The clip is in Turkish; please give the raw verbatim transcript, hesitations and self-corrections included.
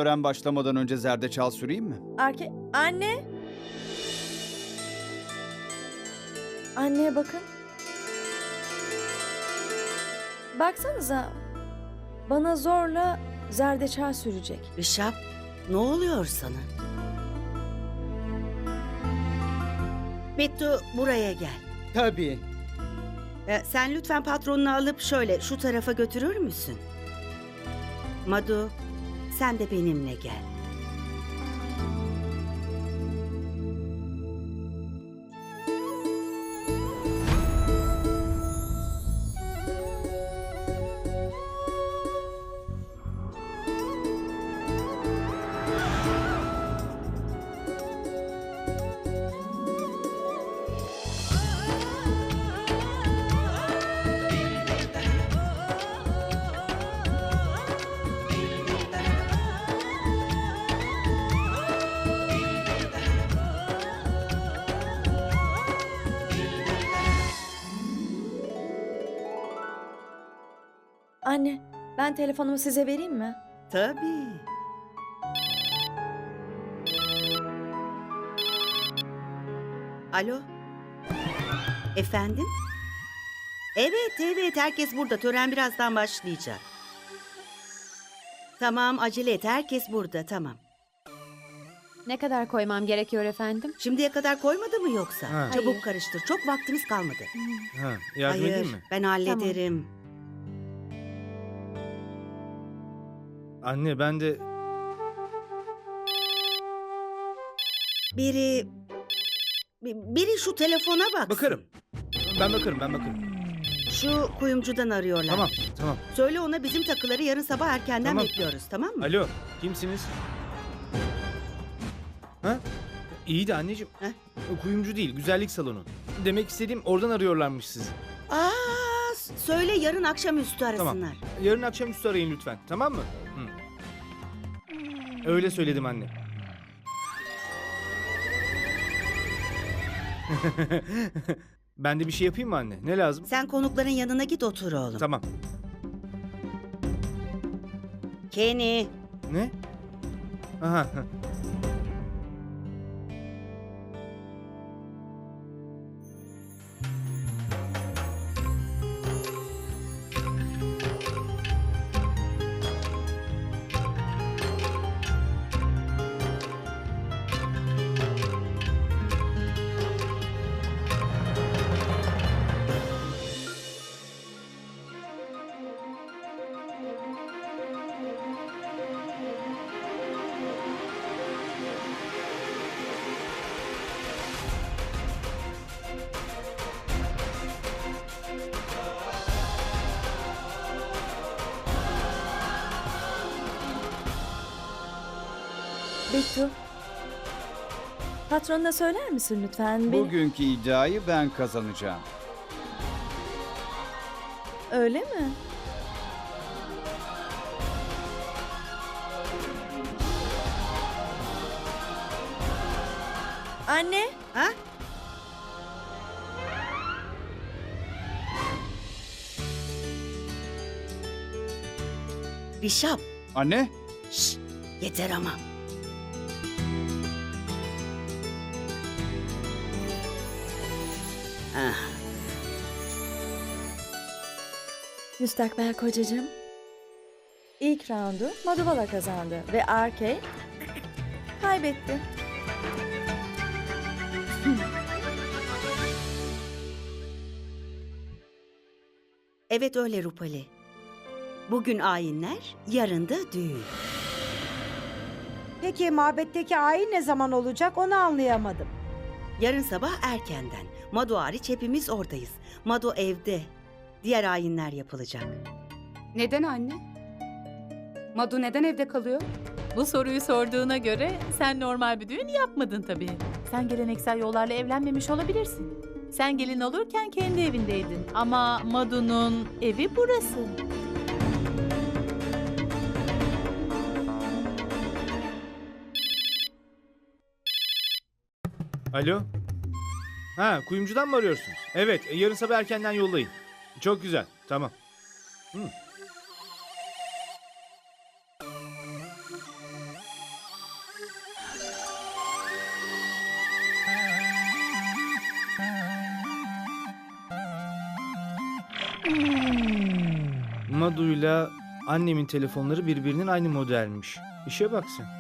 tören başlamadan önce zerdeçal süreyim mi? Arke... Anne! Anneye bakın. Baksanıza. Bana zorla zerdeçal sürecek. Rişap, ne oluyor sana? Bittu, buraya gel. Tabii. Ee, sen lütfen patronunu alıp şöyle şu tarafa götürür müsün? Madu, sen de benimle gel. Anne, ben telefonumu size vereyim mi? Tabii. Alo? Efendim? Evet, evet. Herkes burada. Tören birazdan başlayacak. Tamam, acele et. Herkes burada. Tamam. Ne kadar koymam gerekiyor efendim? Şimdiye kadar koymadı mı yoksa? Ha. Çabuk Hayır. karıştır. Çok vaktimiz kalmadı. Ha, yardım Hayır, edeyim mi? ben hallederim. Anne ben de... Biri... bi- Biri şu telefona baksın. Bakarım. Ben bakarım, ben bakarım. Şu kuyumcudan arıyorlar. Tamam, tamam. Söyle ona bizim takıları yarın sabah erkenden Tamam. bekliyoruz, tamam mı? Alo, kimsiniz? Ha? İyi de anneciğim. Heh. Kuyumcu değil, güzellik salonu. Demek istediğim oradan arıyorlarmış sizi. Aa, s- söyle yarın akşamüstü arasınlar. Tamam. Yarın akşamüstü arayın lütfen, tamam mı? Hı. Öyle söyledim anne. Ben de bir şey yapayım mı anne? Ne lazım? Sen konukların yanına git otur oğlum. Tamam. Kenny, Ne? Aha. Bittu. Patronuna söyler misin lütfen? Beni... Bugünkü iddiayı ben kazanacağım. Öyle mi? Anne, ha? Rişap, Anne? şş, yeter ama. Ah, müstakbel kocacığım. İlk roundu Madhuvala kazandı ve Arke kaybetti. evet öyle Rupali. Bugün ayinler, yarın da düğün. Peki mabetteki ayin ne zaman olacak onu anlayamadım. Yarın sabah erkenden. Madu hariç hepimiz oradayız. Madu evde. Diğer ayinler yapılacak. Neden anne? Madu neden evde kalıyor? Bu soruyu sorduğuna göre sen normal bir düğün yapmadın tabii. Sen geleneksel yollarla evlenmemiş olabilirsin. Sen gelin olurken kendi evindeydin ama Madu'nun evi burası. Alo? Ha, kuyumcudan mı arıyorsunuz? Evet, e, yarın sabah erkenden yollayın. Çok güzel, tamam. Hı. Madu'yla annemin telefonları birbirinin aynı modelmiş. İşe bak sen.